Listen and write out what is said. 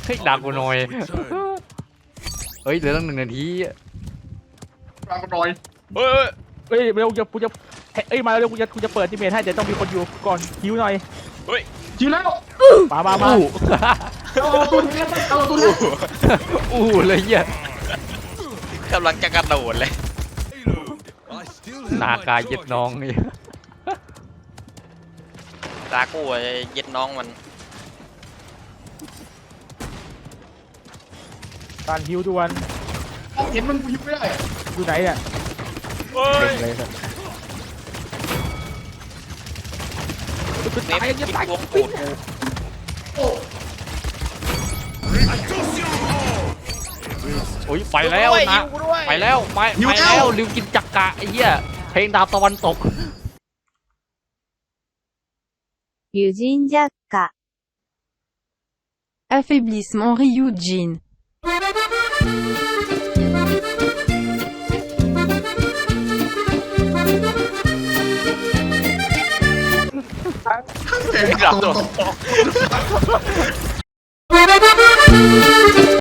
ฮ้ยด่ากูหน่อยเฮ้ยเหลือตั้ง1 นาทีด่ากูหน่อยเฮ้ยเร็วกูจะเอ้ยมาเร็วกูจะเปิดทีเมทให้แต่ต้องมีคนอยู่ก่อนคิวหน่อยเฮ้ยชิวแล้วมาเอาตัวนี้เอาตัวนี้อู้เลยเหี้ยกำลังจะกระโดดเลยนากาเย็ดน้องเนี่ยตากูเย็ดน้องมันการคิวด่วนเห็นมันกูยิงไม่ได้อยู่ไหนเนี่ยเฮ้ยเลยครับเนฟกินวงปูดกูโอ้ยไปแล้วนะไปแล้วไปแล้วลืมกินจักกะไอ้เหี้ยเพลงดาวตะวันตกユジンジャッカ Affaiblissement Ryujin. เสียงกระโดด